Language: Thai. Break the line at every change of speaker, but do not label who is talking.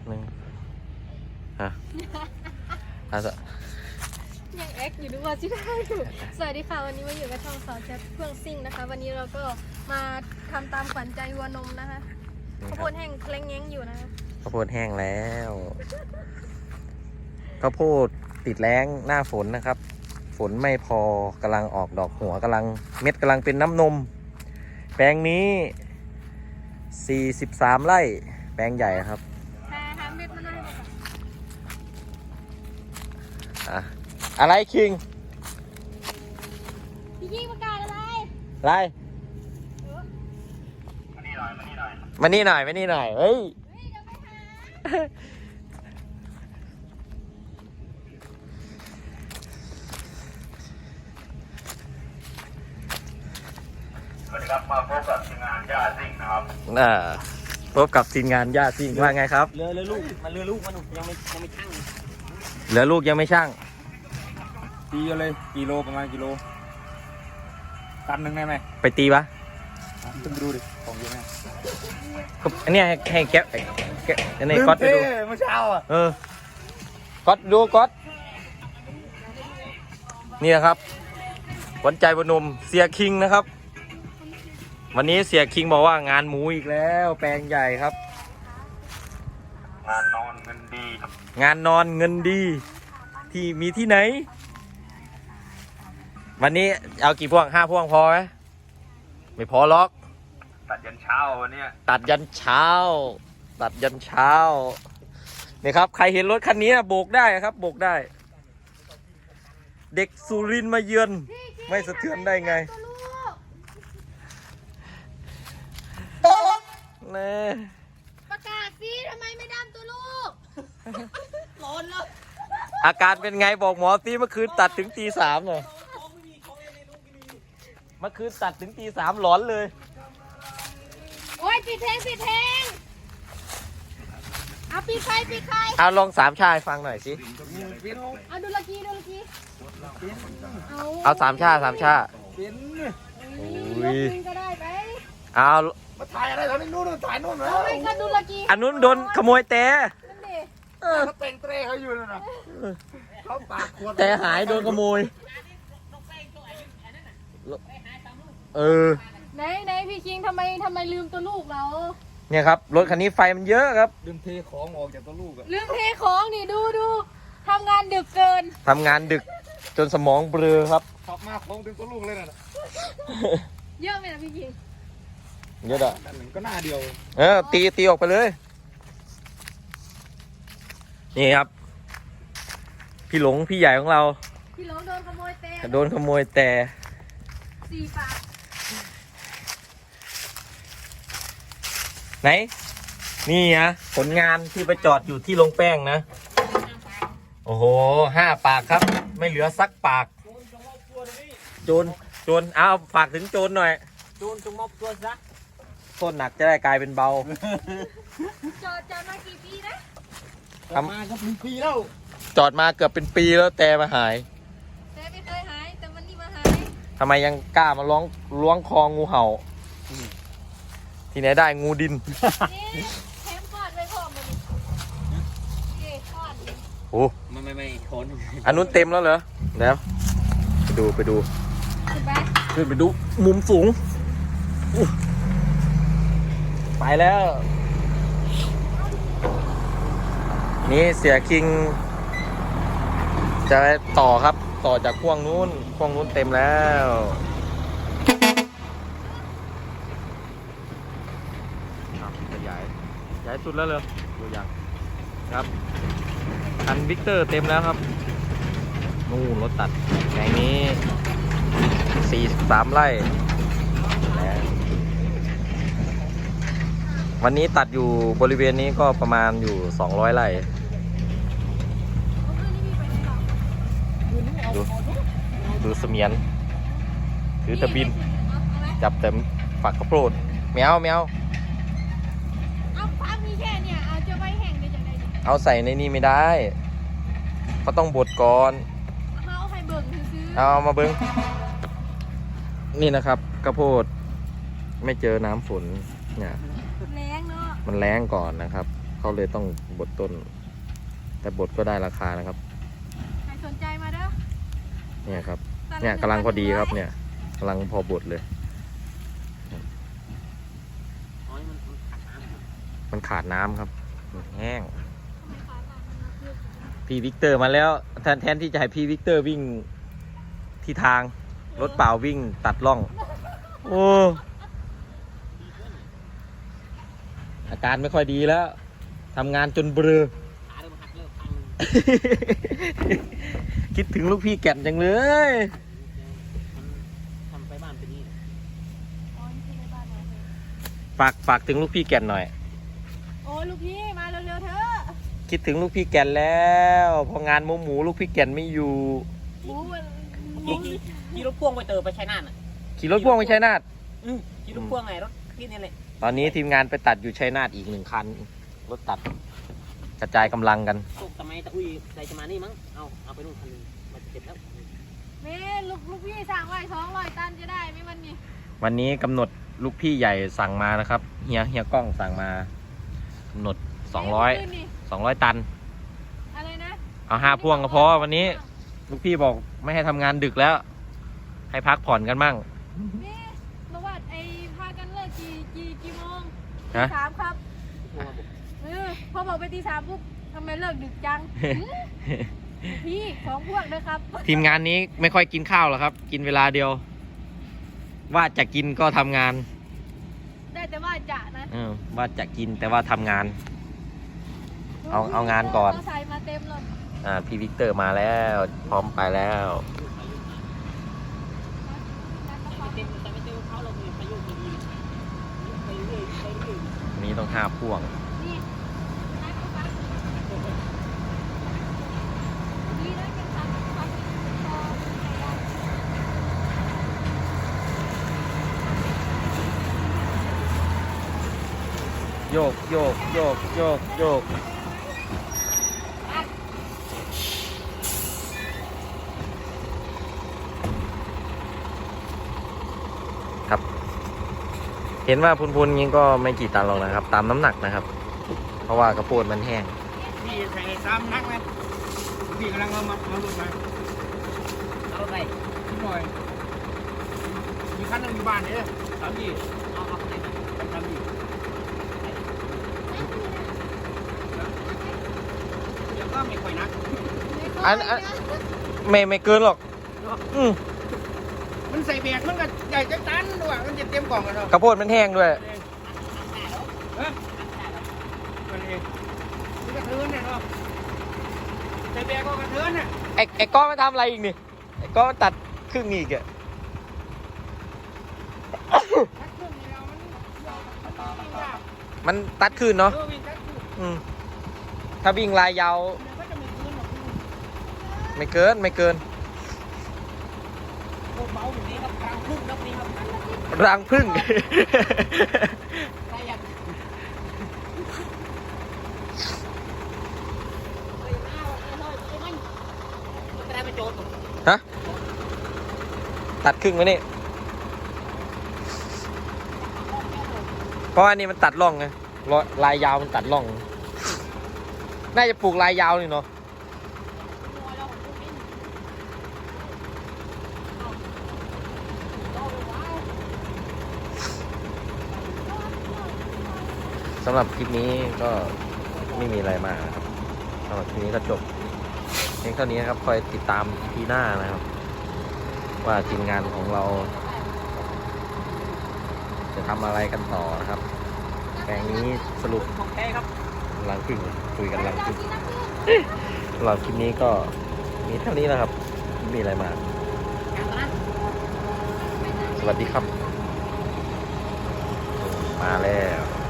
หนึ่งฮะ
ยังแอคอยู่ด้วยว่าที่ได้อยู่สวัสดีค่ะวันนี้มาอยู่กับช่องสาวแชทเพื่องซิ่งนะคะวันนี้เราก็มาทำตามขวัญใจวัวนมนะคะข้าวโพดแห้งเคล้งแง้งอยู่นะคะ
ข้าวโพดแห้งแล้วข้าวโพดติดแล้งหน้าฝนนะครับ ฝนไม่พอกำลังออกดอกหัวกำลังเม็ดกำลังเป็นน้ำนมแปลงนี้43ไร่แปลงใหญ่ครับ
หาเม็ดมาหน่อย
อะอะไรคิง
พี่ยิ่งประกาศอะไร
อะไรมานี่หน่อยเฮ้ย
สวัสดีครับมาพบกับทีมงานย่าซิ่งนะครับ
พบกับทีมงานย่าซิ่งว่าไงครับ
เรือลูกมันเรือลูกมันยังไม่ช่าง
เหลือลูกยังไม่ช่าง
ตีกันเลยกิโลประมาณกิโลตันหนึ่งได้ไหม
ไปตีปะ
ต้องดูดิของเยอะไหม
อันนี้ให้แกะอันนี้ก๊อตไปดู
เมื่อเช้าอ่ะ
ก๊อตดูก๊อตนี่นะครับขวัญใจบนมเสียคิงนะครับวันนี้เสียคิงบอกว่างานหมูอีกแล้วแปลงใหญ่ครับ
งานนอนเงินดี
งานนอนเงินดีที่มีที่ไหนวันนี้เอากี่พวง5 พวงพอไหมไม่พอล็อก
ตัดยันเช้าวันนี้
ตัดยันเช้านี่ครับใครเห็นรถคันนี้โบกได้ครับโบกได้เด็กสุรินทร์มาเยือนไม่สะเทือนได้ไง
ประกาศสิทำไมไม่ดำตัวลูกร้อนแล้ว
อาการเป็นไงบอกหมอสิเมื่อคืนตัดถึงตี 3เลยเมื่อคืนตัดถึงตี 3หลอนเลย
โอ้ยปิดเพลงเอาปิดไฟ
เอาลอง3ชาให้ฟังหน่อยสิ
เอาดูละกี้
เอา3ชา
ยกก็ได้ไป
เอา
มาถ่ายอะไรตอนนี้นู่นถ่ายนู่นแล้ว
ไม่ก็ดูละกี้
อันนู้นโดนขโมยแต่
เขาเต็งเตะเขาอยู่นั่นน่ะเขาปากขวด
แต่หายโดนขโมย
ไหนพี่คิงทำไมลืมตัวลูกเรา
เนี่ยครับรถคันนี้ไฟมันเยอะครับ
ลืมเทของออกจากตัวลูกอะ
ลืมเทของนี่ดูทำงานดึกเกิน
ทำงานดึกจนสมองเบลอครับ
ขับมาของถึงตัวลูกเลยน่ะ
เยอะไหมนะพี่คิง
เยอะอ่ะ
ก็หน้าเดียว
ตีออกไปเลยนี่ครับพี่หลงพี่ใหญ่ของเรา
พี่หลงโดนขโมยแต่4 ปาก
ไหนนี่นะผลงานที่ไปจอดอยู่ที่โรงแป้งนะโอ้โห5 ปากครับไม่เหลือสักปากโจรเอาฝากถึงโจรหน่อย
โจรจงมอบตัวซะ
โทษหนักจะได้กลายเป็นเบา
จอดมากี่ปีนะ
มาก็เป็นปีแล้ว
จอดมาเกือบเป็นปีแล้วแต่มาหาย
แต่ไม่เคยหายแต่วันนี้มาหาย
ทำไมยังกล้ามาล้วงคองูเห่าที่ไหนได้งูดิน
แถมกอดไว้พร้อมเลยกอด
โอ้
ไม่ทน
อันนู้นเต็มแล้วเหรอแล้วไปดูขึ้นไปดูมุมสูงไปแล้วนี่เสียคิงจะต่อครับต่อจากพ่วงนู้นเต็มแล้วย้ายสุดแล้วเลยดูอย่างครับคันวิกเตอร์เต็มแล้วครับนู่นรถตัดแห่งนี้43ไร่วันนี้ตัดอยู่บริเวณนี้ก็ประมาณอยู่200ไร่ดูเสมียนถือตะบินจับเต็มฝักข้าวโพดแมว
เอาฟังมีแค่เนี่ยเอาจะไว้แห้งได้จังได
เอาใส่ในนี้ไม่ได้เขาต้องบดก่อน
เอาให้เบิ่งซื้อ
เอามาเบิ่งนี่นะครับข้าวโพดไม่เจอน้ำฝนเนี่ย
แรงเนาะ
มันแรงก่อนนะครับ เขเขาเลยต้องบดต้น แต่บดก็ได้ราคานะครับ
ใครสนใจมาเด้อ
เนี่ยครับ เนี่ยกำลังพอดีครับเนี่ยกำลังพอบดเลย มันขาดน้ำครับมันแห้ง พี่วิกเตอร์มาแล้วแทนที่จะให้พี่วิกเตอร์วิ่งที่ทางรถเปล่าวิ่งตัดร่อง โอ้อาการไม่ค่อยดีแล้วทำงานจนเบลอ คิดถึงลูกพี่แก่นจังเลย
ทำไปบ้านเป็นนี่
อ๋อนี่คือในบ้านเหรอ
ฝากถึงลูกพี่แก่นหน่อย
โอ้ลูกพี่มาเร็วๆเถอะ
คิดถึงลูกพี่แก่นแล้วพองานหมูลูกพี่แก่นไม่อยู่
หมูมัน
ขี่รถพ่วงไปเติมไปชัยนาทอ่ะ
ขี่รถพ่วงไปชัยนาท
ขี่รถพ่วงไงรถที่นี่เลย
ตอนนี้ทีมงานไปตัดอยู่ชัยนาทอีก1 คัน รถตัดกระจายกำลังกัน
ตกทำไมตะอุ้ยใส่จะมานี่มั้งเอาไปนู่นคันนึงมันจะเสร็จแล้ว
แม่ลูกพี่สั่งไว้200 ตันจะได้ไหมวันนี้
วันนี้กำหนดลูกพี่ใหญ่สั่งมานะครับเฮียกล้องสั่งมากำหนด200 ตัน
อะไรนะ
เอา5 พ่วงก็พอวันนี้ ลูกพี่บอกไม่ให้ทำงานดึกแล้ว ให้พักผ่อนกันบ้าง
แม่บอกว่าไอ้พากันเลิกกี่โมง
ฮะ
ตี 3ครับ
พ่วงมาบุก
พอบอกไปตี 3ปุ๊บทำไมเลิกดึกจัง พี่ของพวกเด้อครับ
ทีมงานนี้ไม่ค่อยกินข้าวหรอกครับ กินเวลาเดียว ว่าจะกินก็ทำงาน
ได้แต่ว่าจะนะ
ว่าจะกินแต่ว่าทำงาน เอางานก่อน
เใส่มาเต็มเลย
พี่วิกเตอร์มาแล้ว พร้อมไปแล้ว
ไม่เต็มเขาเรามีพายุดีไปเรื่อยไปเรื่อย
วันนี้ต้อง5 พ่วง
นี่นัดเขาฟังดีนะเป็นทางฟังพอ
โยกโยกโยกโยกโยกครับ เห็นว่าพุนๆนี้ก็ไม่กี่ตันหรอกนะครับ ตามน้ำหนักนะครับ เพราะว่ากระโปดมันแห้ง
พี่ใส่ซ้ำนักไหมพี่กำลังเอาหลุดมา
เอาไป
นิดหน่อยมีคันหนึงอยู่บ้านเนี่ยสามยี่
เอาไปไหน
สามยี่เดี๋ยวก็ไม่ค่อยนัก
อันไม่เกินหรอก
มันใส่แบกมันก็ใหญ่จังตันด้วยมันจะเต็มกล่องกันเนาะ
กระโปดมันแห้งด้วย
เฮ้ยมันเองมันกระเทือนเนี่ยเนาะใส่แบกก็กระเทือนน่ะ
ไอ้ก้อนมันทำอะไรอีกนี่ไอ้ก้อนมันตัดครึ่งอีกอะ
ทักเครื่องนี่เรามันยาว
มันตัดขึ้นเนาะ
วิ่งทักเครื่อง
ถ้าวิ่งลายยาว
ก็จะมีพื้นหรอก
ไม่เกิน
โคตรเบาแบบนี้ครับกลางพุ่งครับนี่ครับ
รังพึ่ง
ใครอยากมันได้ไปโจทย์
ฮะ ตัดครึ่งไว้นี่เพราะอันนี้มันตัดร่องไงลายยาวมันตัดร่อง น่าจะปลูกลายยาวนี่เนาะสำหรับคลิปนี้ก็ไม่มีอะไรมากนะครับสำหรับคลิปนี้ก็จบเพียงเท่านี้นะครับคอยติดตามทีหน้านะครับ ว่าทีมงานของเรา จะทำอะไรกันต่อนะครับแปลงนี้สรุป
ของแท้ครับ
รังพึ่งคุยกันรังพึ่งสำหรับคลิปนี้ก็มีเท่านี้นะครับไม่มีอะไรมากสวัสดีครับ มาแล้ว